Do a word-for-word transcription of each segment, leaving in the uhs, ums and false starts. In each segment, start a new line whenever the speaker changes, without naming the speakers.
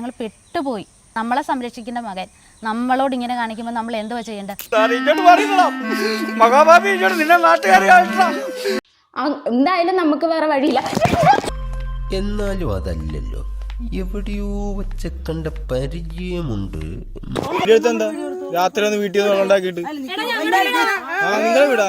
ഞങ്ങൾ പെട്ടുപോയി. നമ്മളെ സംരക്ഷിക്കേണ്ട മകൻ നമ്മളോട് ഇങ്ങനെ കാണിക്കുമ്പോൾ നമ്മൾ എന്തുവാ ചെയ്യേണ്ടത്?
എന്തായാലും നമുക്ക് വേറെ വഴിയില്ല.
എന്നാലും അതല്ലല്ലോ, എവിടെയോ വെച്ച കണ്ട പരിചയമുണ്ട്.
എന്താ രാത്രി ഒന്ന് വീട്ടിൽ നിന്ന് ഉണ്ടാക്കിയിട്ട് നിങ്ങളെ വിടാ.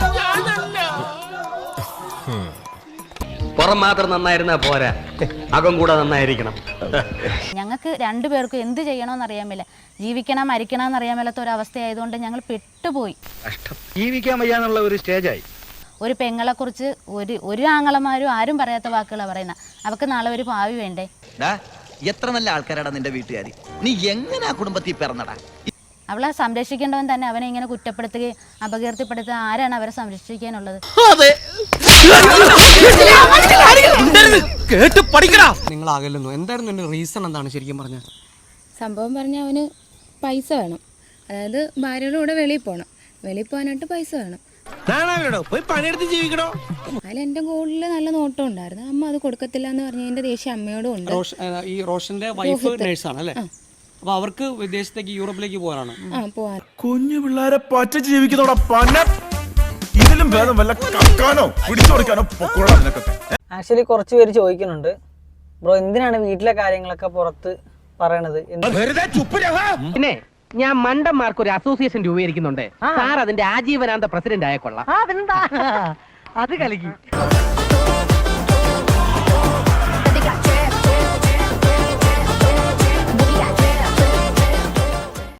പുറം മാത്രം നന്നായിരുന്നാ പോരാ, അകം കൂടെ നന്നായിരിക്കണം.
ഞങ്ങൾക്ക് രണ്ടുപേർക്കും എന്ത് ചെയ്യണമെന്ന് അറിയാൻ മേല, ജീവിക്കണം മരിക്കണം എന്നറിയാൻ മേലാത്ത ഒരു അവസ്ഥയായതുകൊണ്ട് ഞങ്ങൾ പെട്ടുപോയി.
ജീവിക്കാൻ വയ്യാന്നുള്ള ഒരു സ്റ്റേജായി.
ഒരു പെങ്ങളെ കുറിച്ച് ഒരു ഒരു ആങ്ങളമാരും ആരും പറയാത്ത വാക്കുകളാണ് പറയുന്നത്. അവർക്ക് നാളെ ഒരു ഭാവി വേണ്ടേ?
എത്ര നല്ല ആൾക്കാരാണ് നിന്റെ വീട്ടുകാരി. നീ എങ്ങനെ കുടുംബത്തിൽ പിറന്നടാ?
അവളെ സംരക്ഷിക്കേണ്ടവൻ തന്നെ അവനെ ഇങ്ങനെ കുറ്റപ്പെടുത്തുകയും അപകീർത്തിപ്പെടുത്തുക. ആരാണ് അവരെ സംരക്ഷിക്കാനുള്ളത്?
നിങ്ങൾ ആകല്ലോ. എന്തായിരുന്നു എന്റെ റീസൺ? എന്താണ് ശരിക്കും പറഞ്ഞ
സംഭവം പറഞ്ഞാൽ അവന് പൈസ വേണം. അതായത് ഭാര്യയുടെ കൂടെ വെളിയിൽ പോകണം. വെളിയിൽ പോകാനായിട്ട് പൈസ വേണം. അതിൽ എൻ്റെ ഗോൾഡിൽ നല്ല നോട്ടം ഉണ്ടായിരുന്നു. അമ്മ അത് കൊടുക്കത്തില്ല എന്ന് പറഞ്ഞ എൻ്റെ ദേഷ്യം അമ്മയോടും ഉണ്ട്.
ഈ റോഷന്റെ വൈഫ് നേഴ്സാണ് അല്ലേ? അപ്പൊ അവർക്ക് വിദേശത്തേക്ക് യൂറോപ്പിലേക്ക് പോകാനാണ്.
ആ പോവാൻ.
കുഞ്ഞു പിള്ളേരെ പച്ച ജീവിക്കുന്നോടാ പന്ന. ഇതിലും ഭേദം വല്ല കക്കാനോ പിടിച്ചു കൊടുക്കാനോ പൊക്കോളാം നിനക്കൊക്കെ.
ആക്ച്വലി കുറച്ച് പേര് ചോദിക്കുന്നുണ്ട്, ബ്രോ എന്തിനാണ് വീട്ടിലെ കാര്യങ്ങളൊക്കെ പുറത്ത് പറയണത്?
പിന്നെ ഞാൻ മണ്ടന്മാർക്ക് ഒരു അസോസിയേഷൻ രൂപീകരിക്കുന്നുണ്ട് സാർ. അതിന്റെ ആജീവനാന്ത പ്രസിഡന്റ് ആയ കൊള്ളാം. അത് കലക്കി.